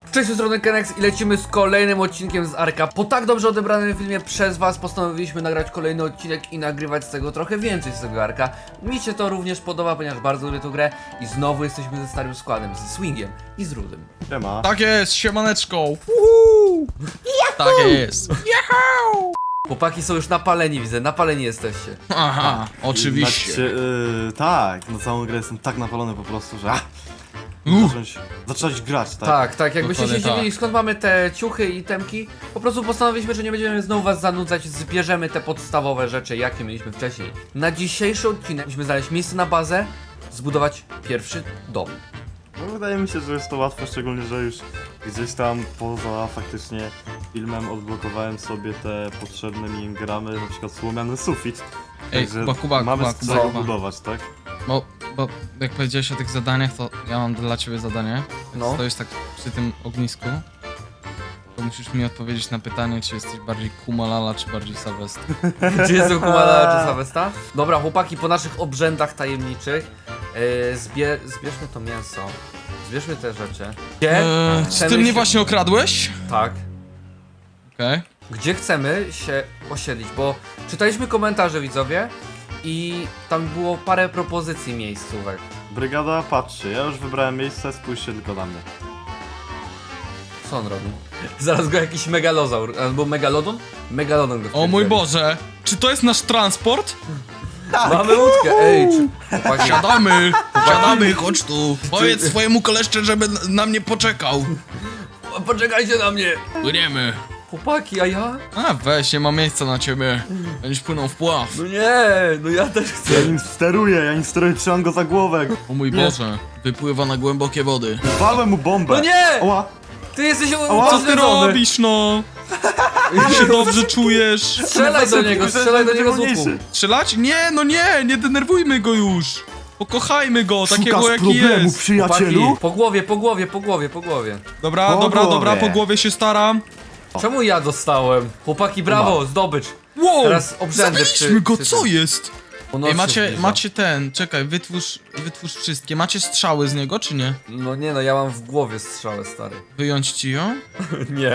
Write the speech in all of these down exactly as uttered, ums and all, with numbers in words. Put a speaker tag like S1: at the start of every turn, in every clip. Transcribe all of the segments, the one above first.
S1: Cześć, z strony Kenex i lecimy z kolejnym odcinkiem z Arka. Po tak dobrze odebranym filmie przez was postanowiliśmy nagrać kolejny odcinek i nagrywać z tego trochę więcej z tego Arka. Mi się to również podoba, ponieważ bardzo lubię tę grę i znowu jesteśmy ze starym składem, z Swingiem i z Rudym.
S2: Siema.
S3: Tak jest, siemaneczko. Uhu. Tak jest. Yahoo!
S1: Chłopaki są już napaleni, widzę, napaleni jesteście.
S3: Aha, oczywiście.
S2: Znaczy, yy, tak, na całą grę jestem tak napalony po prostu, że ah,
S3: Uff.
S2: zacząć, zacząć grać, tak?
S1: Tak, tak, jakbyście się
S3: Dokładnie
S1: dziwili
S3: tak.
S1: skąd mamy te ciuchy i temki, po prostu postanowiliśmy, że nie będziemy znowu was zanudzać, zbierzemy te podstawowe rzeczy, jakie mieliśmy wcześniej. Na dzisiejszy odcinek musimy znaleźć miejsce na bazę, zbudować pierwszy dom.
S2: No, wydaje mi się, że jest to łatwe, szczególnie, że już gdzieś tam poza faktycznie filmem odblokowałem sobie te potrzebne mi gramy, na przykład słomiany sufit.
S3: Ej,
S2: Także
S3: Kuba, Kuba,
S2: mamy
S3: Kuba,
S2: z
S3: Kuba,
S2: czego
S3: Kuba.
S2: budować, tak?
S3: Bo, bo jak powiedziałeś o tych zadaniach, to ja mam dla ciebie zadanie.
S1: No.
S3: No. Stoisz tak przy tym ognisku. To musisz mi odpowiedzieć na pytanie, czy jesteś bardziej Kumalala, czy bardziej Sylwester.
S1: Czy jestem Kumala czy Sawesta? Dobra, chłopaki, po naszych obrzędach tajemniczych yy, zbie zbierzmy to mięso. Zbierzmy te rzeczy. Gdzie
S3: Eee, czy
S1: chcemy
S3: ty mnie
S1: się-
S3: właśnie okradłeś?
S1: Tak.
S3: Okej.
S1: Gdzie chcemy się osiedlić, bo czytaliśmy komentarze, widzowie, i tam było parę propozycji miejscówek.
S2: Brygada, patrzcie, ja już wybrałem miejsce, spójrzcie tylko na mnie.
S1: Co on robi? Zaraz go jakiś megalozaur, albo megalodon? Megalodon go
S3: O mój
S1: wpierdoli.
S3: Boże, czy to jest nasz transport?
S1: Mamy łódkę, ej, czy... chłopaki,
S3: Siadamy, siadamy, chodź tu. Powiedz swojemu koleszcze, żeby na- na mnie poczekał.
S1: poczekajcie na mnie!
S3: Płyniemy.
S1: Chłopaki, a ja?
S3: A weź, nie ma miejsca na ciebie. Będziesz płynął w pław.
S1: No nie, no ja też chcę.
S2: Ja nim steruję, ja nim steruję, trzymam go za głowę.
S3: O mój Boże, wypływa na głębokie wody.
S2: Walłem mu bombę.
S1: No nie!
S2: Oła,
S1: Ty jesteś
S2: Ała,
S3: Co ty
S1: upośledzony.
S3: robisz, no? Ty się dobrze czujesz.
S1: Strzelaj do niego, strzelaj do niego z łuku.
S3: Strzelać? Nie, no nie, nie denerwujmy go już. Pokochajmy go, takiego
S2: Szukasz
S3: jaki
S2: problemu,
S3: jest.
S2: przyjacielu?
S1: Chłopaki, po głowie, po głowie, po głowie, po głowie.
S3: Dobra,
S2: Po
S3: dobra,
S2: głowie.
S3: dobra, po głowie się staram.
S1: Czemu ja dostałem? Chłopaki, brawo, zdobycz.
S3: Wow,
S1: Teraz obrzędy
S3: zabiliśmy
S1: przy-
S3: go,
S1: przy
S3: co
S1: tym.
S3: jest?
S1: O, noc
S3: Ej,
S1: się
S3: macie,
S1: zbliża.
S3: macie ten, czekaj, wytwórz, wytwórz wszystkie. Macie strzały z niego, czy nie?
S1: No nie no, ja mam w głowie strzałę, stary.
S3: Wyjąć ci ją?
S1: Nie.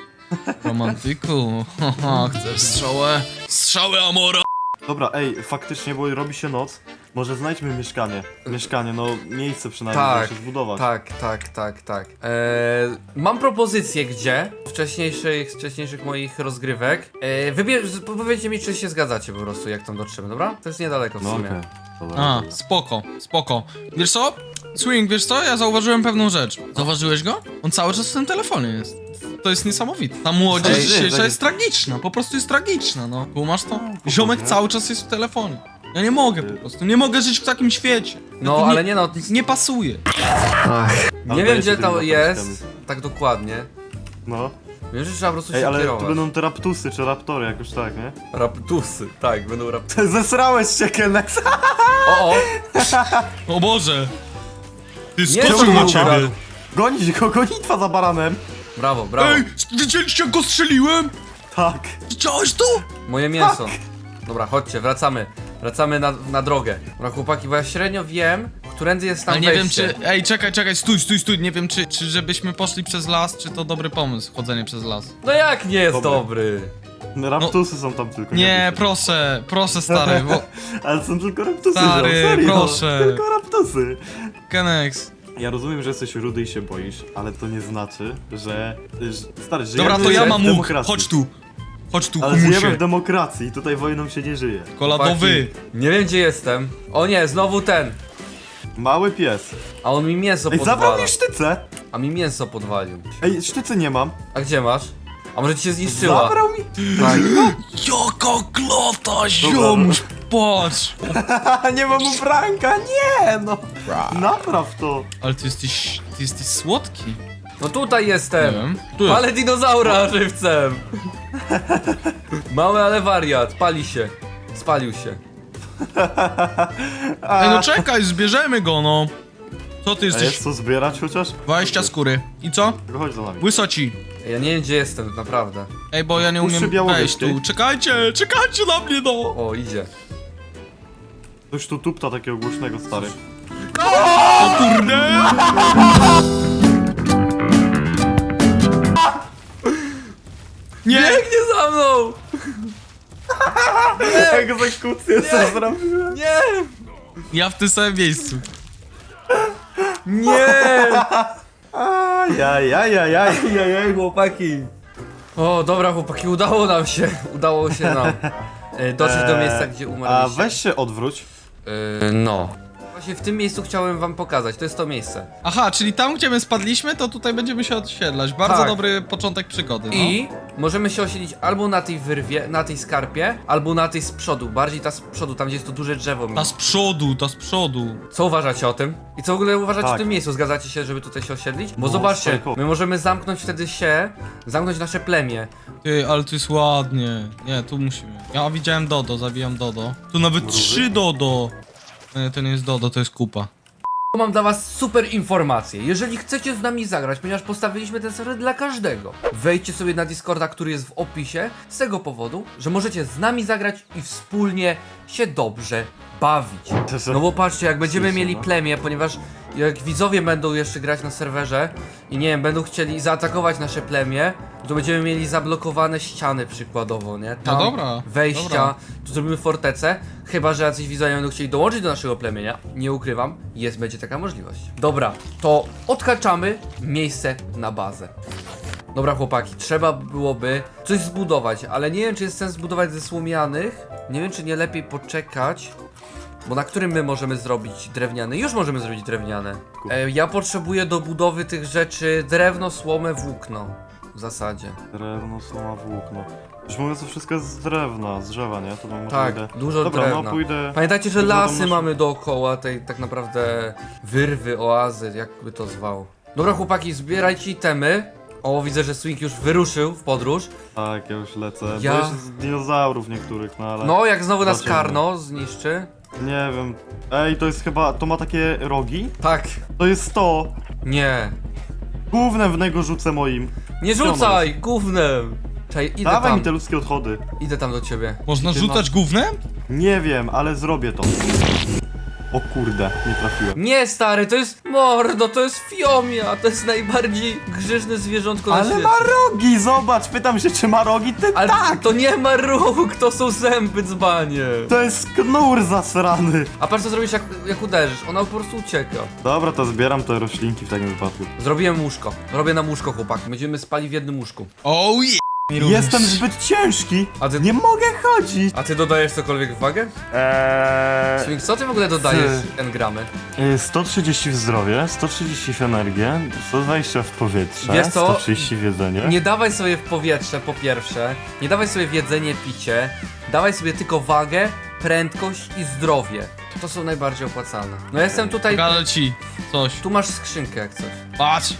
S3: Romantyku, haha, chcesz strzałę? Strzały Amora!
S2: Dobra, ej, faktycznie, bo robi się noc. Może znajdźmy mieszkanie. Mieszkanie, no miejsce przynajmniej,
S1: Tak,
S2: żeby się zbudować.
S1: Tak, tak, tak, tak. Eee, mam propozycję, gdzie wcześniejszych, wcześniejszych moich rozgrywek. Eee, wybierz, powiedzcie mi, czy się zgadzacie po prostu, jak tam dotrzemy, dobra? To jest niedaleko w
S2: No
S1: sumie.
S2: okej. Dobra,
S3: A,
S2: dobra.
S3: spoko, spoko. Wiesz co? Swing, wiesz co? Ja zauważyłem pewną rzecz. Zauważyłeś go? On cały czas w tym telefonie jest. To jest niesamowite. Ta młodzież
S1: Ej,
S3: dzisiejsza
S2: ej,
S3: jest tragiczna, po prostu jest tragiczna, no. Kumasz to?
S2: No,
S3: Ziomek
S2: nie?
S3: cały czas jest w telefonie. Ja nie mogę po prostu, nie mogę żyć w takim świecie.
S1: No,
S3: To
S1: ale nie no,
S3: Nie pasuje.
S1: nie
S2: Ale
S1: wiem,
S2: się
S1: gdzie
S2: tymi
S1: to jest,
S2: motylkami.
S1: tak dokładnie.
S2: No.
S1: Wiem, że trzeba po prostu
S2: Ej,
S1: się
S2: ale
S1: kierować.
S2: to będą te raptusy czy raptory, jakoś tak, nie?
S1: Raptusy, tak, będą raptusy.
S2: Zesrałeś się, Kenex!
S1: O, o!
S3: O Boże! Ty
S1: Nie,
S3: skoczył
S1: to
S3: na
S1: był
S3: ciebie.
S1: brat.
S2: Gonić go, gonitwa za baranem!
S1: Brawo, brawo.
S3: Ej, widzieliście jak go strzeliłem?
S2: Tak.
S3: Widziałeś to?
S1: Moje mięso. Dobra, chodźcie, wracamy. Wracamy na, na drogę. Dobra, chłopaki, bo ja średnio wiem, którędy jest tam
S3: Ale nie wiem
S1: wejście.
S3: czy... Ej, czekaj, czekaj, stój, stój, stój. Nie wiem czy, czy żebyśmy poszli przez las, czy to dobry pomysł, chodzenie przez las.
S1: No jak nie jest
S2: Dobry.
S1: dobry?
S2: Raptusy są tam tylko.
S3: Nie, proszę, proszę stary, bo...
S2: Ale są tylko raptusy,
S3: Stary,
S2: ziom, serio.
S3: proszę.
S2: Tylko raptusy.
S3: Kenex.
S2: Ja rozumiem, że jesteś rudy i się boisz, ale to nie znaczy, że... że stary, żyjemy
S3: Dobra, to ja
S2: w
S3: mam łuk,
S2: demokracji.
S3: chodź tu. Chodź tu,
S2: Ale żyjemy
S3: humusie.
S2: w demokracji i tutaj wojną się nie żyje.
S3: Koladowy.
S1: Chłopaki, nie wiem gdzie jestem. O nie, znowu ten.
S2: Mały pies.
S1: A on mi mięso
S2: Ej, zabrał
S1: podwala.
S2: mi sztycę!
S1: A mi mięso podwalił.
S2: Ej, sztycy nie mam.
S1: A gdzie masz? A może ci się zniszczyła?
S2: Zabrał mi...
S1: Tak.
S3: Jaka klata, ziomuś, patrz.
S2: nie mam ubranka, nie no! Napraw to!
S3: Ale ty jesteś, ty jesteś słodki.
S1: No tutaj
S3: Nie
S1: jestem.
S3: wiem. Tu jest.
S1: Palę dinozaura żywcem. Mały, ale wariat. Pali się. Spalił się.
S3: Ej, no czekaj, zbierzemy go, no. Co ty
S2: A
S3: jesteś?
S2: jest co zbierać chociaż?
S3: dwadzieścia skóry. I co?
S2: Tylko chodź za nami.
S3: Łysoci.
S1: Ja nie wiem gdzie jestem, naprawdę.
S3: Ej, bo ja nie
S2: Puszczy
S3: umiem wejść
S2: Białowieskiej.
S3: tu. Czekajcie, czekajcie na mnie, no.
S1: O, idzie.
S2: Coś tu tupta takiego głośnego, stary.
S3: O kurde.
S2: Egzekucję co zrobiłem.
S1: Nie!
S3: Ja w tym samym miejscu.
S1: Nie!
S2: Ajajajajaj.
S1: Jajaj, chłopaki. O, dobra chłopaki, udało nam się. Udało się nam e, dotrzeć do miejsca, gdzie
S2: A
S1: umarliście.
S2: weź się odwróć.
S1: E, no. Właśnie w tym miejscu chciałem wam pokazać, to jest to miejsce.
S3: Aha, czyli tam, gdzie my spadliśmy, to tutaj będziemy się odsiedlać. Bardzo
S1: Tak.
S3: dobry początek przygody, no.
S1: I możemy się osiedlić albo na tej wyrwie, na tej skarpie, albo na tej z przodu. Bardziej ta z przodu, tam gdzie jest to duże drzewo.
S3: Ta z przodu, ta z przodu.
S1: Co uważacie o tym? I co w ogóle uważacie
S2: Tak.
S1: o tym miejscu? Zgadzacie się, żeby tutaj się osiedlić? Bo
S2: No,
S1: zobaczcie,
S2: spoko.
S1: my możemy zamknąć wtedy się, zamknąć nasze plemię.
S3: Ty, ale tu jest ładnie. Nie, tu musimy. Ja widziałem Dodo, zabijam Dodo. Tu nawet
S2: Mrówy?
S3: trzy Dodo. Nie, to nie jest Dodo, to jest kupa.
S1: Mam dla was super informację. Jeżeli chcecie z nami zagrać, ponieważ postawiliśmy ten serwer dla każdego, wejdźcie sobie na Discorda, który jest w opisie, z tego powodu, że możecie z nami zagrać i wspólnie się dobrze bawić. No bo patrzcie, jak będziemy
S2: Słyszę,
S1: mieli
S2: no.
S1: plemię, ponieważ jak widzowie będą jeszcze grać na serwerze i nie wiem, będą chcieli zaatakować nasze plemię, to będziemy mieli zablokowane ściany przykładowo, nie? Tam
S3: No dobra,
S1: wejścia,
S3: dobra.
S1: tu zrobimy fortecę, chyba że jacyś widzowie będą chcieli dołączyć do naszego plemienia, nie ukrywam, jest, będzie taka możliwość. Dobra, to odhaczamy miejsce na bazę. Dobra chłopaki, trzeba byłoby coś zbudować, ale nie wiem czy jest sens zbudować ze słomianych, nie wiem czy nie lepiej poczekać, bo na którym my możemy zrobić drewniane? Już możemy zrobić drewniane. E, ja potrzebuję do budowy tych rzeczy drewno, słomę, włókno. W zasadzie.
S2: Drewno, słoma, włókno. Już mówiąc, to wszystko jest z drewna, z drzewa, nie? To mam może
S1: Tak,
S2: pójdę...
S1: dużo
S2: Dobra,
S1: drewna.
S2: no pójdę...
S1: Pamiętajcie, że
S2: pójdę do
S1: lasy
S2: maszy-
S1: mamy dookoła tej tak naprawdę wyrwy, oazy, jakby to zwał. Dobra chłopaki, zbierajcie itemy. O, widzę, że Swing już wyruszył w podróż.
S2: Tak, ja już lecę.
S1: Ja-
S2: Ja... Bo z dinozaurów niektórych, no ale...
S1: No, jak znowu nas
S2: Zobaczymy.
S1: Karno zniszczy.
S2: Nie wiem. Ej, to jest chyba... To ma takie rogi?
S1: Tak,
S2: To jest to!
S1: nie.
S2: Gównem w niego rzucę moim.
S1: Nie rzucaj, gównem. Czekaj, idę
S2: Dawaj
S1: tam,
S2: mi te ludzkie odchody.
S1: idę tam do ciebie.
S3: Można
S1: Ty
S3: rzucać gównem?
S2: Nie wiem, ale zrobię to. O kurde, nie trafiłem.
S1: Nie stary, to jest mordo, to jest fiomia, to jest najbardziej grzeczne zwierzątko na
S2: Ale
S1: świecie.
S2: ma rogi, zobacz! Pytam się, czy ma rogi? Ty
S1: Ale
S2: tak!
S1: to nie ma róg, to są zęby, dzbanie.
S2: To jest knur zasrany!
S1: A patrz co zrobisz jak, jak uderzysz, ona po prostu ucieka.
S2: Dobra, to zbieram te roślinki w takim wypadku.
S1: Zrobiłem łóżko, robię nam łóżko chłopaki, będziemy spali w jednym łóżku.
S3: Oh yeah!
S2: Jestem zbyt ciężki!
S1: A ty-
S2: Nie mogę chodzić!
S1: A ty dodajesz cokolwiek w wagę?
S2: Eee...
S1: Swing, co ty w ogóle dodajesz
S2: Ty.
S1: engramy?
S2: y, sto trzydzieści w zdrowie, sto trzydzieści w energię, sto dwadzieścia w powietrze,
S1: Wiesz co?
S2: sto trzydzieści w jedzenie.
S1: Nie dawaj sobie w powietrze po pierwsze, nie dawaj sobie w jedzenie, picie, dawaj sobie tylko wagę, prędkość i zdrowie. To są najbardziej opłacalne. No ja jestem tutaj,
S3: Pokażę ci coś.
S1: tu masz skrzynkę jak coś.
S3: Patrz!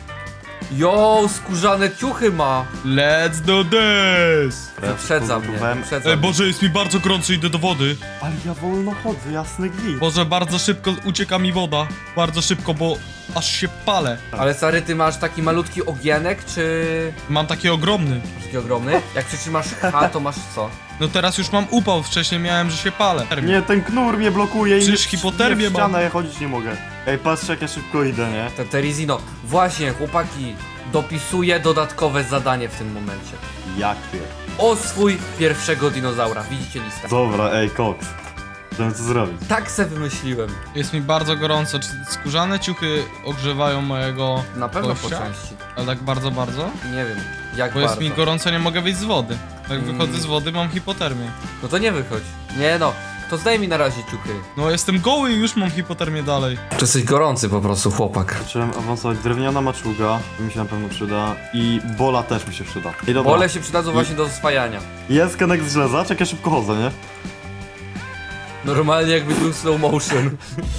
S1: Jo, skórzane ciuchy ma!
S3: Let's do this!
S1: Wyprzedza mnie,
S2: Zbudowałem-
S1: wyprzedza
S3: Ej,
S1: mnie.
S3: Boże, jest mi bardzo gorąco, idę do wody.
S2: Ale ja wolno chodzę, jasny gwint.
S3: Boże, bardzo szybko ucieka mi woda. Bardzo szybko, bo aż się palę.
S1: Ale stary, ty masz taki malutki ogienek, czy...
S3: Mam taki ogromny.
S1: Masz taki ogromny? Jak przytrzymasz H, to masz co?
S3: No teraz już mam upał, wcześniej miałem, że się palę.
S2: Nie, ten knur mnie blokuje i
S3: Przecież
S2: nie-
S3: hipotermię
S2: nie w
S3: mam.
S2: ścianę, ja chodzić nie mogę. Ej, patrz jak ja szybko idę, nie?
S1: Te Terizino. Właśnie, chłopaki, dopisuję dodatkowe zadanie w tym momencie.
S2: Jakie?
S1: Oswój pierwszego dinozaura. Widzicie listę.
S2: Dobra, ej, koks. Chcemy co zrobić.
S1: Tak se wymyśliłem.
S3: Jest mi bardzo gorąco. Czy skórzane ciuchy ogrzewają mojego
S1: Na pewno po
S3: gościa?
S1: części.
S3: Ale tak bardzo, bardzo?
S1: Nie wiem, jak
S3: Bo
S1: bardzo.
S3: jest mi gorąco, nie mogę wyjść z wody. Jak
S1: Mm.
S3: wychodzę z wody, mam hipotermię.
S1: No to nie wychodź. Nie no, to zdaj mi na razie ciuchy.
S3: No jestem goły i już mam hipotermię dalej.
S1: To jesteś gorący po prostu, chłopak.
S2: Zacząłem awansować. Drewniana maczuga, to mi się na pewno przyda. I bola też mi się przyda. I dobra.
S1: Bole się przydadzą właśnie do swajania.
S2: Jest kenek z żelaza, jak ja szybko chodzę, nie?
S1: Normalnie jakby był slow motion.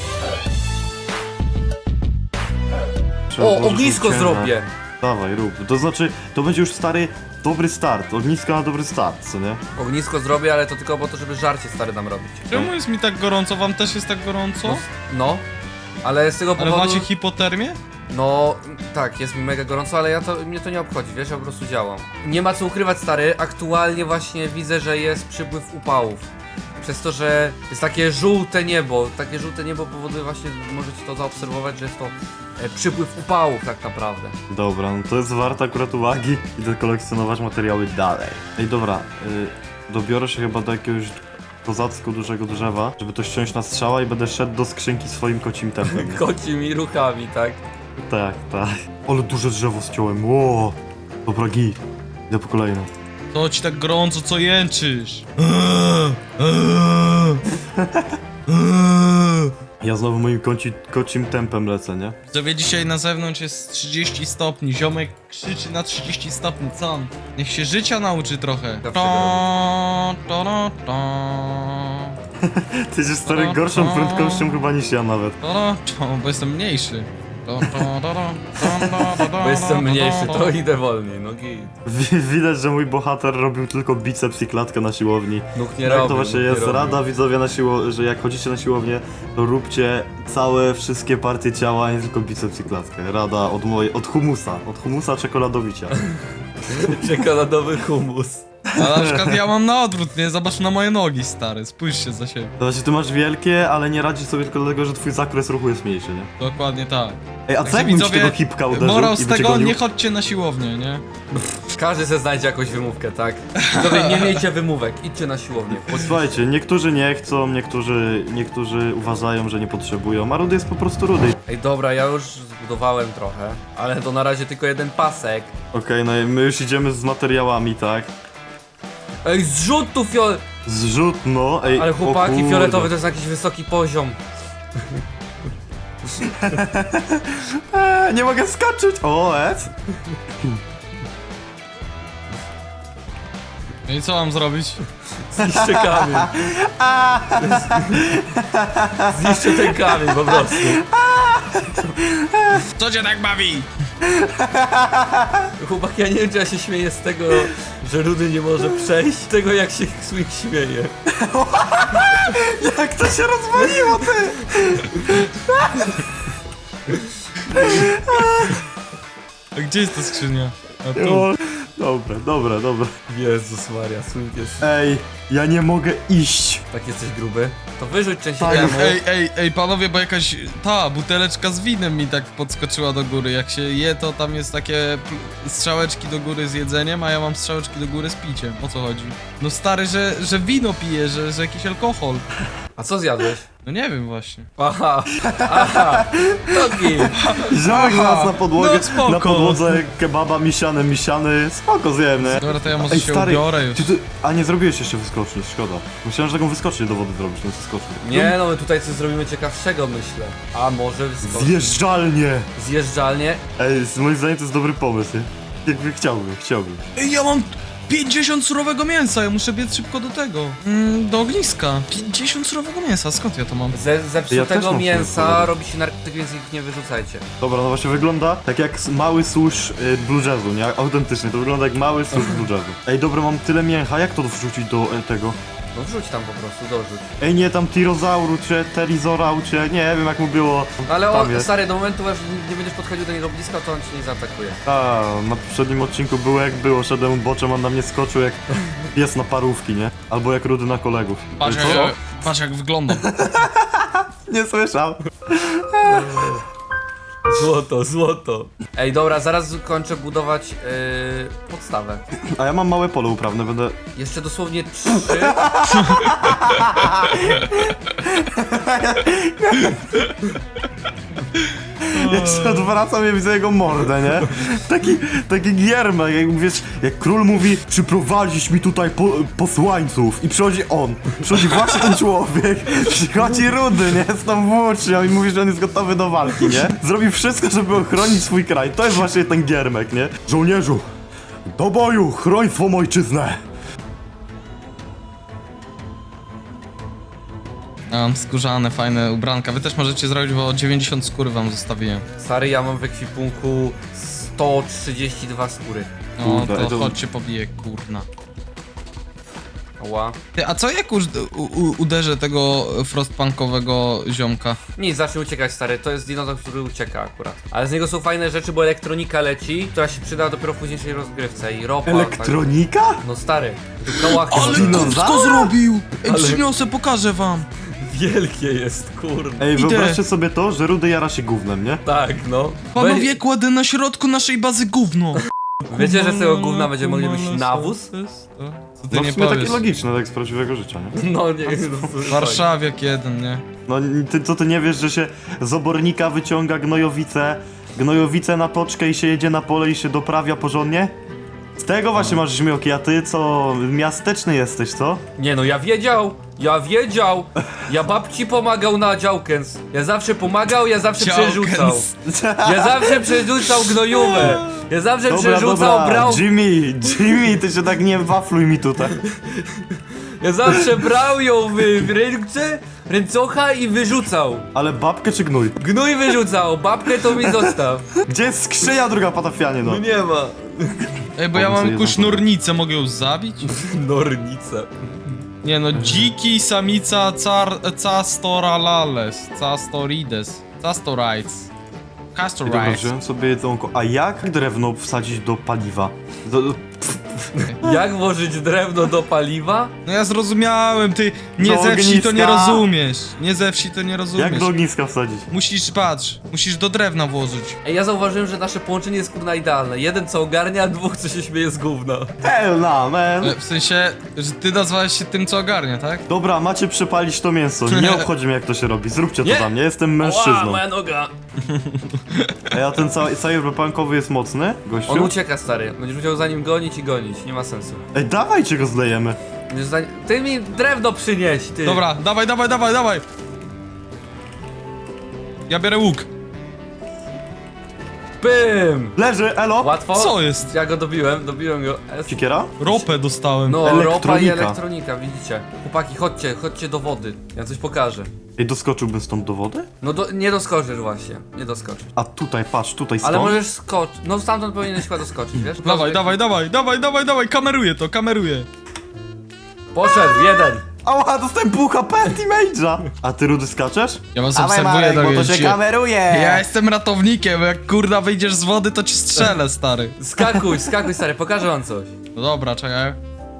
S2: Trzeba
S1: O,
S2: włożyć
S1: ognisko
S2: ciemne.
S1: zrobię.
S2: Dawaj, rób. To znaczy, to będzie już stary, dobry start. Ognisko na dobry start, co nie?
S1: Ognisko zrobię, ale to tylko po to, żeby żarcie stary nam robić.
S3: Czemu jest mi tak gorąco? Wam też jest tak gorąco?
S1: No, no. Ale z tego
S3: Ale
S1: powodu...
S3: macie hipotermię?
S1: No, tak, jest mi mega gorąco, ale ja to, mnie to nie obchodzi, wiesz, ja po prostu działam. Nie ma co ukrywać, stary, aktualnie właśnie widzę, że jest przypływ upałów. Przez to, że jest takie żółte niebo, takie żółte niebo powoduje właśnie, możecie to zaobserwować, że jest to e, przypływ upałów tak naprawdę.
S2: Dobra, no to jest warte akurat uwagi. Idę kolekcjonować materiały dalej. Ej, dobra, y, dobiorę się chyba do jakiegoś kozacko dużego drzewa, żeby to ściąć na strzała i będę szedł do skrzynki swoim kocim tempem. nie?
S1: Kocimi ruchami, tak?
S2: Tak, tak. Ale duże drzewo ściąłem, ło! Dobra, git. Idę po kolejną.
S3: To ci tak gorąco, co jęczysz?
S2: Ja znowu moim koci, kocim tempem lecę, nie?
S3: Widzowie, dzisiaj na zewnątrz jest trzydzieści stopni, ziomek krzyczy na trzydzieści stopni, co on? Niech się życia nauczy trochę.
S1: Zawsze
S3: Ta, ta, ta, ta.
S2: Ty jesteś stary gorszą prędkością chyba niż ja nawet.
S3: Ta, ta, ta, bo jestem mniejszy. Ta, ta, ta, ta, ta, ta, ta, ta,
S1: Bo jestem mniejszy,
S3: ta,
S1: to idę wolniej, no git.
S2: Wi- Widać, że mój bohater robił tylko biceps i klatkę na siłowni.
S1: Nóg nie
S2: Tak
S1: robił,
S2: to właśnie
S1: nóg nie
S2: jest
S1: robił.
S2: rada widzowie na siło, że jak chodzicie na siłownię, to róbcie całe, wszystkie partie ciała, a nie tylko biceps i klatkę. Rada od mojej, od humusa, od humusa czekoladowicia.
S1: Czekoladowy humus.
S3: A na przykład ja mam na odwrót, nie? Zobacz na moje nogi, stary, spójrzcie za siebie.
S2: To znaczy ty masz wielkie, ale nie radzisz sobie tylko dlatego, że twój zakres ruchu jest mniejszy, nie?
S3: Dokładnie tak.
S2: Ej, a co
S3: Także
S2: jakbym ci
S3: widzowie,
S2: tego hipka uderzył
S3: morał
S2: i
S3: z
S2: by cię
S3: tego,
S2: gonił?
S3: nie chodźcie na siłownię, nie?
S1: Każdy se znajdzie jakąś wymówkę, tak? Widzowie, nie miejcie wymówek, idźcie na siłownię. Chodźcie.
S2: Słuchajcie, niektórzy nie chcą, niektórzy, niektórzy uważają, że nie potrzebują, a rudy jest po prostu rudy.
S1: Ej, dobra, ja już zbudowałem trochę, ale to na razie tylko jeden pasek.
S2: Okej, no i my już idziemy z materiałami, tak?
S1: Ej, zrzut tu fiol...
S2: Zrzut, no, ej,
S1: Ale
S2: o
S1: chłopaki,
S2: kurde.
S1: fioletowy to jest jakiś wysoki poziom.
S2: Eee, nie mogę skoczyć! O, ec!
S3: No i co mam zrobić?
S1: Zniszczę kamień. Zniszczę ten kamień po prostu.
S3: Co cię tak bawi?
S1: Chłopaki, ja nie wiem, czy ja się śmieję z tego, że Rudy nie może przejść, z tego jak się Swing śmieje.
S2: Jak to się rozwaliło, ty!
S3: A gdzie jest ta skrzynia? A tu.
S2: O, dobra, dobra, dobra.
S1: Jezus Maria, Swing jest...
S2: Ej, ja nie mogę iść.
S1: Tak jesteś gruby? To wyrzuć część
S2: Tak,
S1: temu.
S3: Ej, ej, ej, panowie, bo jakaś ta buteleczka z winem mi tak podskoczyła do góry. Jak się je, to tam jest takie pl- strzałeczki do góry z jedzeniem, a ja mam strzałeczki do góry z piciem. O co chodzi? No stary, że, że wino pije, że, że jakiś alkohol.
S1: A co zjadłeś?
S3: No nie wiem właśnie.
S1: Aha, aha, nogi.
S2: Ziom nas na podłogę,
S3: no spoko.
S2: na podłodze kebaba misiany, misiany. Spoko zjem, nie?
S3: Dobra, to ja może
S2: Ej,
S3: się
S2: stary,
S3: ubiorę już.
S2: ty, ty, a nie zrobiłeś jeszcze wyskoczni, szkoda. Myślałem, że taką wyskocznię do wody zrobisz, no wyskocznię.
S1: Nie no, my tutaj coś zrobimy ciekawszego, myślę. A może wyskoczyć.
S2: Zjeżdżalnie!
S1: Zjeżdżalnie.
S2: Ej, z moim zdaniem to jest dobry pomysł, nie? Jakby chciałbym, chciałbym.
S3: Ej, ja mam pięćdziesiąt surowego mięsa, ja muszę biec szybko do tego. Mm, do ogniska. pięćdziesiąt surowego mięsa, skąd ja to mam?
S1: Ze
S2: Ja też
S1: zepsutego
S2: mam
S1: mięsa
S2: sobie
S1: robi się narkotyk, więc ich nie wyrzucajcie.
S2: Dobra, no właśnie wygląda tak jak s- mały susz y, blue jazzu, nie? Autentycznie, to wygląda jak mały susz blue jazzu. Ej, dobra, mam tyle mięcha, jak to wrzucić do e, tego?
S1: No wrzuć tam po prostu, dorzuć.
S2: Ej, nie, tam tirozauru, czy terizorau, czy nie wiem jak mu było.
S1: No ale
S2: Tam
S1: o,
S2: jest.
S1: stary, do momentu aż nie będziesz podchodził do niego blisko, to on cię nie zaatakuje.
S2: A, na poprzednim odcinku było jak było, szedłem boczem, on na mnie skoczył jak pies na parówki, nie? Albo jak rudy na kolegów.
S3: Patrz,
S2: Co?
S3: jak, patrz jak wyglądam.
S2: Nie słyszał.
S1: Złoto, złoto. Ej, dobra, zaraz kończę budować yy, podstawę.
S2: A ja mam małe pole uprawne, będę...
S1: Jeszcze dosłownie trzy.
S2: Jeszcze odwracam i widzę jego mordę, nie? Taki, taki giermek, jak wiesz, jak król mówi, przyprowadzić mi tutaj po, posłańców i przychodzi on, przychodzi właśnie ten człowiek, przychodzi Rudy, nie, z tą włócznią i mówi, że on jest gotowy do walki, nie? Zrobi wszystko, żeby ochronić swój kraj, to jest właśnie ten giermek, nie? Żołnierzu, do boju, chroń swą ojczyznę!
S3: Ja mam skórzane, fajne ubranka. Wy też możecie zrobić, bo dziewięćdziesiąt skóry wam zostawiłem.
S1: Stary, ja mam w ekwipunku sto trzydzieści dwa skóry.
S3: No
S2: Kurde,
S3: to
S2: to-
S3: chodźcie pobiję, kurna.
S1: Ła.
S3: Ty, a co jak už, u, u, uderzę tego frostpunkowego ziomka?
S1: Nie, zacznie uciekać, stary, to jest dinozaur, który ucieka akurat. Ale z niego są fajne rzeczy, bo elektronika leci, która się przyda dopiero w późniejszej rozgrywce i ropa.
S2: Elektronika?
S1: Tak. No stary, tu kołach
S3: Ale
S2: dinozaura?
S3: kupsko zrobił! Ej,
S1: Ale-
S3: przyniosę, pokażę wam.
S1: wielkie jest, kurde.
S2: Ej,
S3: Idę.
S2: wyobraźcie sobie to, że Rudy jara się gównem, nie?
S1: Tak, no.
S3: Panowie, kładę na środku naszej bazy gówno.
S1: Wiecie, że z tego gówna będziemy mogli robić nawóz?
S3: Co ty
S2: No
S3: nie
S2: w sumie takie
S3: powiesz?
S2: logiczne, tak z prawdziwego życia, nie?
S1: No nie,
S3: Warszawiak jeden, nie?
S2: No ty, co ty nie wiesz, że się z obornika wyciąga gnojowice, gnojowice na toczkę i się jedzie na pole i się doprawia porządnie? Z tego właśnie masz żmioki, a ty co, miasteczny jesteś, co?
S1: Nie no, ja wiedział, ja wiedział. Ja babci pomagał na działkens. Ja zawsze pomagał, ja zawsze przerzucał. Ja zawsze przerzucał gnojówę. Ja zawsze
S2: Dobra,
S1: przerzucał,
S2: dobra,
S1: brał.
S2: Jimmy, Jimmy, ty się tak nie wafluj mi tutaj.
S1: Ja zawsze brał ją w, w ręce, ręcocha i wyrzucał.
S2: Ale babkę czy gnój?
S1: Gnój wyrzucał, babkę to mi zostaw.
S2: Gdzie jest skrzynia druga patafianie, no?
S1: nie ma.
S3: Ej, bo ja
S2: Pomysł
S3: mam
S2: jeden.
S3: kusznurnicę, mogę ją zabić?
S1: Nornica.
S3: Nie no, dziki samica car... castoralales, castorides, castorites,
S2: I dobra,
S3: castorites.
S2: wziąłem sobie jedzonko. A jak drewno wsadzić do paliwa? Do, do,
S1: Jak włożyć drewno do paliwa?
S3: No ja zrozumiałem, ty nie
S2: Do
S3: ze wsi to nie
S2: ogniska.
S3: rozumiesz. Nie ze wsi to nie rozumiesz.
S2: jak do ogniska wsadzić?
S3: Musisz, patrz, musisz do drewna włożyć.
S1: Ej, ja zauważyłem, że nasze połączenie jest kurna idealne. Jeden co ogarnia, dwóch co się śmieje z gówna.
S2: Hell nah, man!
S3: E, W sensie, że ty nazwałeś się tym, co ogarnia, tak?
S2: Dobra, macie przepalić to mięso. Nie obchodzi mnie, jak to się robi. Zróbcie to
S1: Nie.
S2: za mnie, jestem
S1: Ła,
S2: mężczyzną.
S1: moja noga.
S2: Ej, a ten cały cyberpunkowy jest mocny, gościu?
S1: On ucieka, stary. Będziesz musiał za nim gonić i gonić. Nie ma sensu.
S2: Ej, dawajcie go zlejemy.
S1: Będziesz za... Ty mi drewno przynieś, ty.
S3: Dobra, dawaj, dawaj, dawaj, dawaj! Ja biorę łuk.
S1: Pym!
S2: Leży, elo!
S1: Łatwo?
S3: Co jest?
S1: Ja go dobiłem, dobiłem go. Es-
S2: Sikiera?
S3: Ropę dostałem.
S1: No, ropa i
S2: Elektronika.
S1: elektronika, widzicie. Chłopaki, chodźcie, chodźcie do wody. Ja coś pokażę.
S2: Ej, doskoczyłbym stąd do wody?
S1: No do, nie doskoczysz właśnie, nie doskoczysz.
S2: A tutaj, patrz, tutaj stąd.
S1: Ale możesz skoczyć. No stamtąd powinieneś chyba doskoczyć, wiesz?
S3: Dawaj, dawaj, dawaj, dawaj, dawaj, dawaj, kameruję to, kameruję.
S1: Poszedł, jeden.
S2: Ała, dostałem pół H P teammage'a! A ty, Rudy, skaczesz?
S3: Ja was
S2: Dawaj,
S3: obserwuję,
S2: Marek, bo to
S3: Dawid,
S2: się
S3: ja-
S2: kameruje!
S3: Ja jestem ratownikiem, jak kurda wyjdziesz z wody, to ci strzelę, stary.
S1: Skakuj, skakuj, stary, pokażę wam coś.
S3: No dobra, czekaj.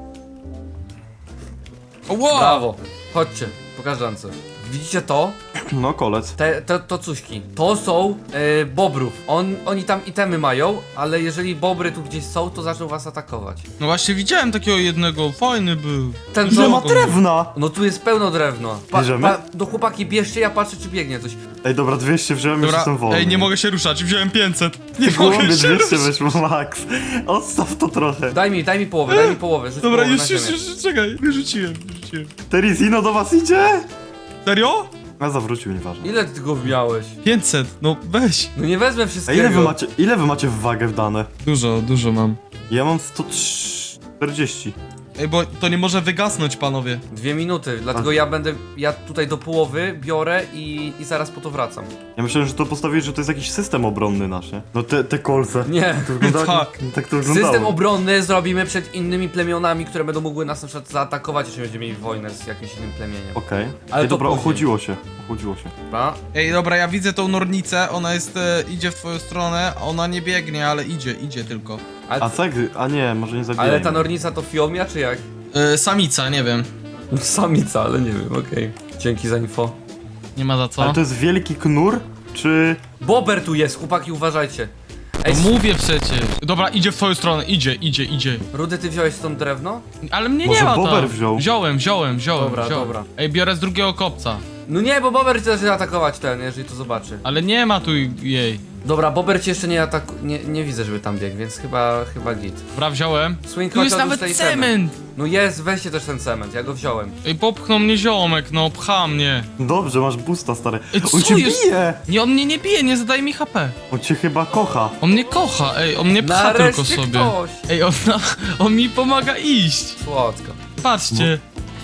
S3: O, wow!
S1: Brawo. Chodźcie, pokażę wam coś. Widzicie to?
S2: No, kolec.
S1: Te, to, to cuśki. To są e, bobrów. On, oni tam itemy mają, ale jeżeli bobry tu gdzieś są, to zaczną was atakować.
S3: No właśnie widziałem takiego jednego, fajny był.
S1: Ten
S2: Ile ma
S1: to...
S2: drewna?
S1: No tu jest pełno drewna.
S2: Bierzemy?
S1: do chłopaki bierzcie, ja patrzę czy biegnie coś.
S2: Ej, dobra, dwieście wziąłem, już
S3: Dobra,
S2: jestem wolny.
S3: ej, nie mogę się ruszać, wziąłem pięćset. Nie
S2: Głąbie
S3: mogę się
S2: dwieście
S3: ruszać.
S2: weźmy, Max. Odstaw to trochę.
S1: Daj mi, daj mi połowę, daj mi połowę. Rzuć
S3: Dobra,
S1: połowę
S3: już,
S1: na
S3: już,
S1: ziemię.
S3: już, czekaj, wyrzuciłem, wyrzuciłem.
S2: Terizino do was idzie?
S3: Serio?
S2: A zawrócił, nieważne.
S1: Ile ty go miałeś?
S3: pięćset, no weź.
S1: No nie wezmę
S2: A
S1: wszystkiego.
S2: ile wy macie, ile wy macie w wagę wdane?
S3: Dużo, dużo mam.
S2: Ja mam sto czterdzieści.
S3: Ej, bo to nie może wygasnąć, panowie.
S1: Dwie minuty, dlatego ja będę, ja tutaj do połowy biorę i, i zaraz po to wracam.
S2: Ja myślałem, że to postawiłeś, że to jest jakiś system obronny nasz, nie? No te, te kolce.
S1: Nie.
S2: To wygląda,
S3: Tak.
S2: tak to wyglądało.
S1: System obronny zrobimy przed innymi plemionami, które będą mogły nas na przykład zaatakować, jeśli będziemy mieli wojnę z jakimś innym plemieniem.
S2: Okej.
S1: Ale
S2: Ej,
S1: to
S2: dobra,
S1: później.
S2: ochłodziło się. Ochłodziło się.
S1: Dobra?
S3: Ej, dobra, ja widzę tą nornicę, ona jest, e, idzie w twoją stronę, ona nie biegnie, ale idzie, idzie tylko.
S1: Ale,
S2: A co jak... A nie, może nie zabijaj.
S1: ale ta nornica to fiomia, czy jak?
S3: E, samica, nie wiem.
S1: Samica, ale nie wiem, okej. Dzięki za info.
S3: Nie ma za co.
S2: Ale to jest wielki knur, czy...
S1: Bober tu jest, chłopaki, uważajcie. Ej,
S3: No mówię przecież. Dobra, idzie w twoją stronę, idzie, idzie, idzie.
S1: Rudy, ty wziąłeś stąd drewno?
S3: Ale mnie
S2: Może
S3: nie ma
S2: Bober
S3: tam.
S2: wziął?
S3: Wziąłem, wziąłem, wziąłem,
S1: Dobra,
S3: wziąłem.
S1: dobra.
S3: Ej, biorę z drugiego kopca.
S1: No nie, bo Bober chce zacznie atakować ten, jeżeli to zobaczy.
S3: Ale nie ma tu jej.
S1: Dobra, Bober cię jeszcze nie ataku... Nie, nie widzę, żeby tam biegł, więc chyba, chyba git.
S3: Dobra, wziąłem.
S1: Swing,
S3: Tu
S1: chodź,
S3: jest
S1: odłóż
S3: nawet
S1: te itemy.
S3: cement!
S1: No jest, weźcie też ten cement, ja go wziąłem.
S3: Ej, popchnął mnie ziomek, no, pcha mnie.
S2: Dobrze, masz busta, stary.
S3: Ej,
S2: On
S3: co
S2: cię
S3: jest?
S2: bije!
S3: Nie, on mnie nie bije, nie zadaje mi H P.
S2: On cię chyba kocha.
S3: On mnie kocha, ej, on mnie pcha
S1: Nareszcie
S3: tylko sobie.
S1: ktoś!
S3: Ej, on, on mi pomaga iść.
S1: Słodko.
S3: Patrzcie.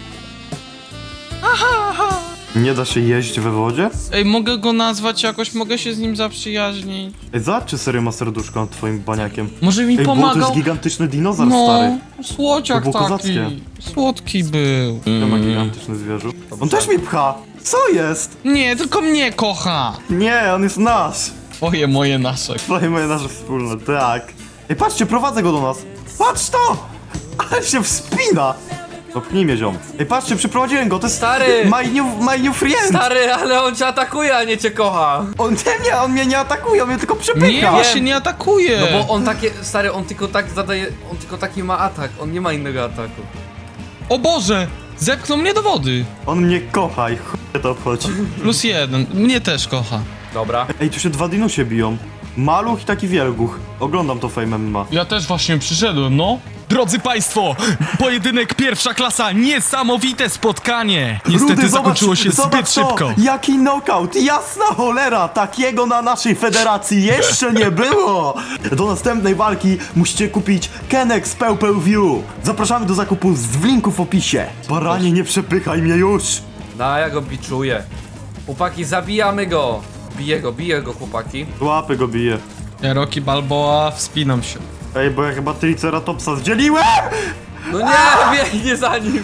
S2: Nie da się jeść we wodzie?
S3: Ej, mogę go nazwać jakoś, mogę się z nim zaprzyjaźnić.
S2: Ej, zobacz, czy serio ma serduszko nad twoim baniakiem.
S3: Może mi
S2: Ej, bo to
S3: pomagał.
S2: jest gigantyczny dinozaur,
S3: No,
S2: stary.
S3: słodziak
S2: To było
S3: taki.
S2: kozackie.
S3: Słodki był.
S2: To ma gigantyczny zwierzu. On też mnie pcha! Co jest?
S3: Nie, tylko mnie kocha.
S2: Nie, on jest nasz!
S3: Twoje, moje, nasze.
S2: Twoje moje nasze wspólne, tak. Ej, patrzcie, prowadzę go do nas. Patrz to! Ale się wspina! Dopchnij mnie, ziom. Ej, patrzcie, przyprowadziłem go, to jest...
S1: Stary!
S2: My new, my new friend!
S1: Stary, ale on cię atakuje, a nie cię kocha.
S2: On nie, nie, on mnie nie atakuje, on mnie tylko przepycha.
S3: Nie, właśnie nie atakuje!
S1: No bo on takie, stary, on tylko tak zadaje, on tylko taki ma atak, on nie ma innego ataku.
S3: O Boże! Zepchnął mnie do wody!
S2: On mnie kocha i chuj to obchodzi.
S3: Plus jeden. Mnie też kocha.
S1: Dobra.
S2: Ej, tu się dwa dinusie biją. Maluch i taki wielguch. Oglądam to Fame M M A.
S3: Ja też właśnie przyszedłem, no. Drodzy Państwo, pojedynek pierwsza klasa, niesamowite spotkanie. Niestety
S2: Rudy,
S3: zakończyło
S2: zobacz,
S3: się
S2: zobacz
S3: zbyt
S2: to,
S3: szybko.
S2: Jaki knockout! Jasna cholera! Takiego na naszej federacji jeszcze nie było! Do następnej walki musicie kupić Kenex Pew Pew View. Zapraszamy do zakupu w linku w opisie. Baranie, nie przepychaj mnie już!
S1: No, ja go biczuję. Chłopaki, zabijamy go. Biję go, biję go, chłopaki.
S2: Łapy go bije.
S3: Ja Rocky Balboa, wspinam się.
S2: Ej, bo ja chyba Triceratopsa zdzieliłem!
S1: No nie, biegnie za nim.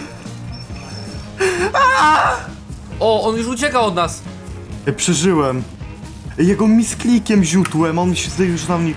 S1: O, on już ucieka od nas.
S2: Ej, przeżyłem. Ej, jego misklikiem ziutłem, on się zdaje już na mnie...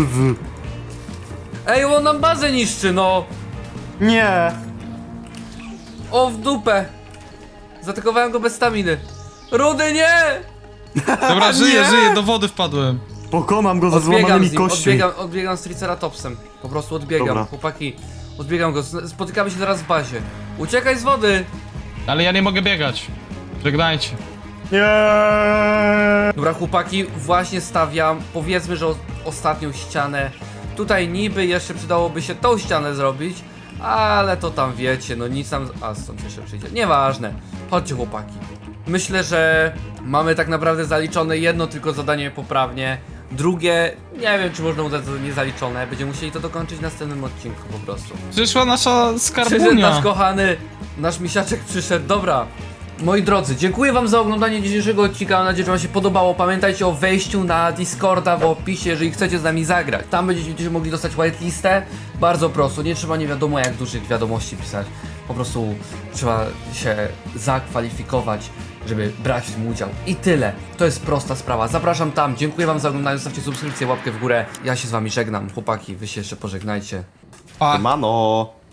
S1: Ej, on nam bazę niszczy, no.
S2: Nie!
S1: O, w dupę. Zaatakowałem go bez staminy. Rudy, nie!
S3: Dobra, żyję,
S2: Nie!
S3: żyję, do wody wpadłem.
S2: Pokonam go ze
S1: Odbiegam
S2: złamanymi
S1: z nim,
S2: kośćmi.
S1: odbiegam, odbiegam z Triceratopsem. Po prostu odbiegam,
S2: Dobra.
S1: chłopaki. Odbiegam go, z- spotykamy się teraz w bazie. Uciekaj z wody!
S3: Ale ja nie mogę biegać. Żegnajcie.
S2: Nie!
S1: Dobra, chłopaki, właśnie stawiam, powiedzmy, że o, ostatnią ścianę. Tutaj niby jeszcze przydałoby się tą ścianę zrobić, ale to tam wiecie, no nic tam... A, stąd jeszcze przyjdzie. Nieważne. Chodźcie, chłopaki. Myślę, że mamy tak naprawdę zaliczone jedno tylko zadanie poprawnie. Drugie, nie wiem, czy można uznać za niezaliczone. Będziemy musieli to dokończyć w następnym odcinku po prostu.
S3: Przyszła nasza
S1: Przyszedł
S3: skarbunia.
S1: nasz kochany, nasz misiaczek przyszedł, dobra. Moi drodzy, dziękuję wam za oglądanie dzisiejszego odcinka, mam nadzieję, że wam się podobało. Pamiętajcie o wejściu na Discorda w opisie, jeżeli chcecie z nami zagrać. Tam będziecie mogli dostać whitelistę, bardzo prosto, nie trzeba nie wiadomo jak dużych wiadomości pisać. Po prostu trzeba się zakwalifikować, żeby brać w tym udział. I tyle, to jest prosta sprawa. Zapraszam tam, dziękuję wam za oglądanie, zostawcie subskrypcję, łapkę w górę. Ja się z wami żegnam, chłopaki, wy się jeszcze pożegnajcie.
S3: Pa.
S2: Mano!